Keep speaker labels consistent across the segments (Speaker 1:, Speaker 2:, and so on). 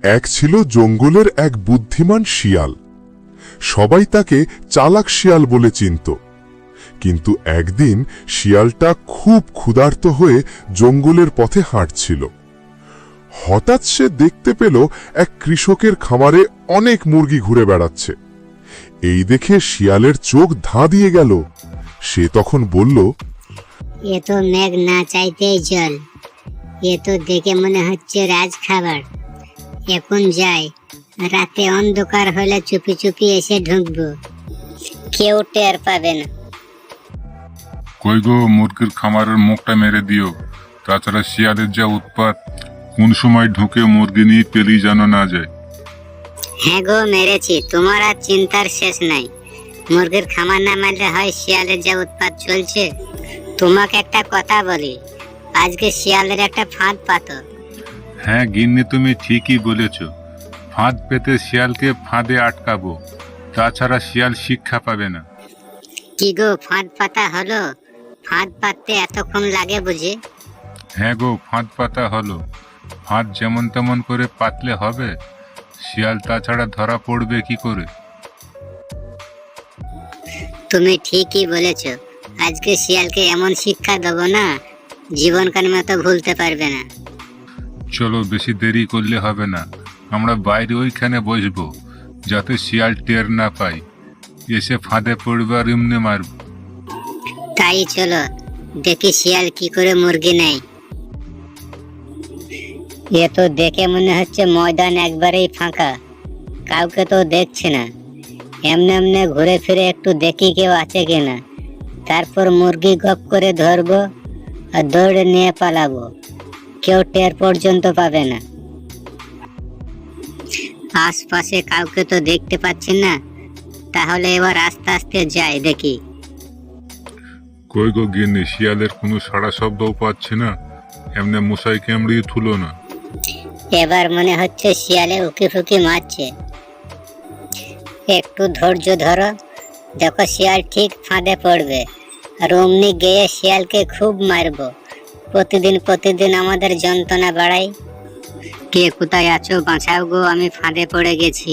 Speaker 1: এক ছিল জঙ্গলের এক বুদ্ধিমান শিয়াল। সবাই তাকে চালাক শিয়াল বলে চিনত। কিন্তু একদিন শিয়ালটা খুব ক্ষুধার্ত হয়ে জঙ্গলের পথে হাঁটছিল। হঠাৎ সে দেখতে পেল এক কৃষকের খামারে অনেক মুরগি ঘুরে বেড়াচ্ছে। এই দেখে শিয়ালের চোখ ধাঁ দিয়ে গেল। সে তখন বলল,
Speaker 2: এ তো মেঘ না চাইতেই জল, এ তো দেখে মনে হচ্ছে রাজ খাবার। এখন যাই, রাতে অন্ধকার হলে চুপি চুপি এসে ঢুকবো, কেউ টের পাবে না।
Speaker 3: কই গো, মুরগির খামারের মুখটা মেরে দিও। তাছাড়া শিয়ালের যা উৎপাত, কোন সময় ঢুকে মুরগি নিয়ে পেলি যেন না যায়।
Speaker 2: হ্যাঁ গো, মেরেছি, তোমার আর চিন্তার শেষ নাই। মুরগির খামার না মারলে হয়, শিয়ালের যা উৎপাত চলছে। তোমাকে একটা কথা বলি, আজকে শিয়ালের একটা ফাঁদ পাতো।
Speaker 3: হ্যাঁ গিন্নি, তুমি ঠিকই বলেছ। ফাঁদ পেতে শিয়ালকে ফাঁদে আটকাবো, তাছাড়া শিয়াল শিক্ষা পাবে না।
Speaker 2: কি গো, ফাঁদ পাতা হলো? ফাঁদ পাততে এতক্ষণ লাগে বুঝি?
Speaker 3: হ্যাঁ গো, ফাঁদ পাতা হলো। ফাঁদ যেমন তেমন করে পাতলে হবে? শিয়াল তাছাড়া ধরা পড়বে কি করে?
Speaker 2: তুমি ঠিকই বলেছ, আজকে শিয়ালকে এমন শিক্ষা দেবো না, জীবনকাল মতো ভুলতে পারবে না।
Speaker 3: চলো, বেশি দেরি করলে হবে না। আমরা বাইরে ওইখানে বসবো, যাতে শিয়াল টের না পাই। এসে ফাঁদে পড়বে আর এমনি মারব।
Speaker 2: তাই চলো, দেখি শিয়াল কি করে মুরগি নেয়। এ তো দেখে মনে হচ্ছে ময়দান একবারেই ফাঁকা, কাউকে তো দেখছে না। এমনি এমনি ঘুরে ফিরে একটু দেখি কেউ আছে কিনা, তারপর মুরগি গপ করে ধরবো আর দৌড়ে নিয়ে পালাবো, কেউ টের পর্যন্ত পাবে না। আশপাশে কাউকে তো দেখতে পাচ্ছি না, তাহলে এবার আস্তে আস্তে যাই দেখি।
Speaker 3: কই গো গিন্নি, শিয়ালের কোনো সাড়া শব্দও পাচ্ছে না। এমনি মশাই কামড়িয়ে থুলো না।
Speaker 2: এবার মনে হচ্ছে শিয়ালে উকি ফুকি মারছে। একটু ধৈর্য ধরো, দেখো শিয়াল ঠিক ফাঁদে পড়বে, আর অমনি গিয়ে শিয়ালকে খুব মারবো। প্রতিদিন আমাদের যন্ত্রণা বাড়াই। কে কোথায় আছো, বাঁচাও গো, আমি ফাঁদে পড়ে গেছি।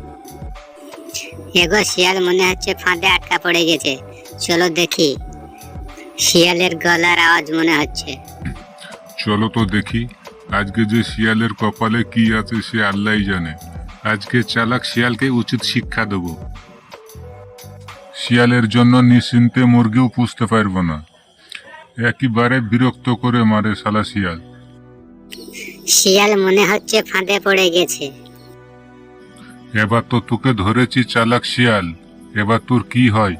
Speaker 2: এগো, শিয়াল মনে হচ্ছে ফাঁদে আটকা পড়ে গেছে, চলো দেখি। শিয়ালের গলার আওয়াজ মনে হচ্ছে।
Speaker 3: চলো তো দেখি, আজকে যে শিয়ালের কপালে কি আছে সে আল্লাহই জানে। আজকে চালাক শিয়ালকে উচিত শিক্ষা দেব। শিয়ালের জন্য নিশ্চিন্তে মুরগিও পুষতে পারবো না। একেবারে বিরক্ত করে মারে শালা শিয়াল।
Speaker 2: শিয়াল মনে হচ্ছে ফাঁদে পড়ে গেছে।
Speaker 3: এবার তো তোকে ধরেছি চালাক শিয়াল, এবার তোর কি হয়?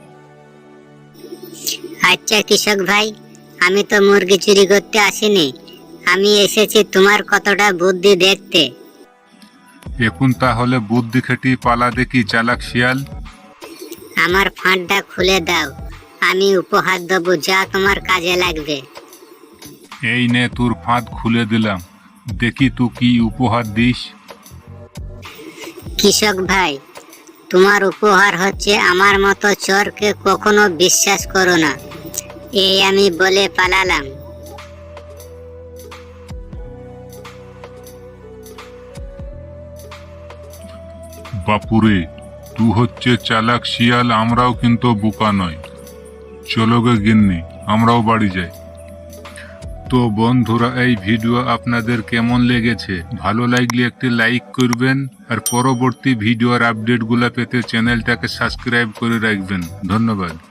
Speaker 2: আচ্ছা কৃষক ভাই, আমি তো মুরগি চুরি করতে আসিনি, আমি এসেছি তোমার কতটা বুদ্ধি দেখতে।
Speaker 3: এখন তাহলে বুদ্ধি খাটিয়ে পালা দেখি চালাক শিয়াল।
Speaker 2: আমার ফাঁদটা খুলে দাও, আমি উপহার দেবো যা তোমার কাজে লাগবে।
Speaker 3: এই নে, তোর ফাঁদ খুলে দিলাম, দেখি তুই কি উপহার দিস।
Speaker 2: কৃষক ভাই, তোমার উপহার হচ্ছে আমার মতো চোরকে কখনো বিশ্বাস করো না, এই আমি বলে পালালাম।
Speaker 3: বাপুরে, তুই হচ্ছে চালাক শিয়াল, আমরাও কিন্তু বোকা নয়। চলো গে গিন্নি, আমরাও বাড়ি যাই। তো বন্ধুরা, এই ভিডিও আপনাদের কেমন লেগেছে? ভালো লাগলে একটি লাইক করবেন, আর পরবর্তী ভিডিওর আপডেটগুলো পেতে চ্যানেলটাকে সাবস্ক্রাইব করে রাখবেন। ধন্যবাদ।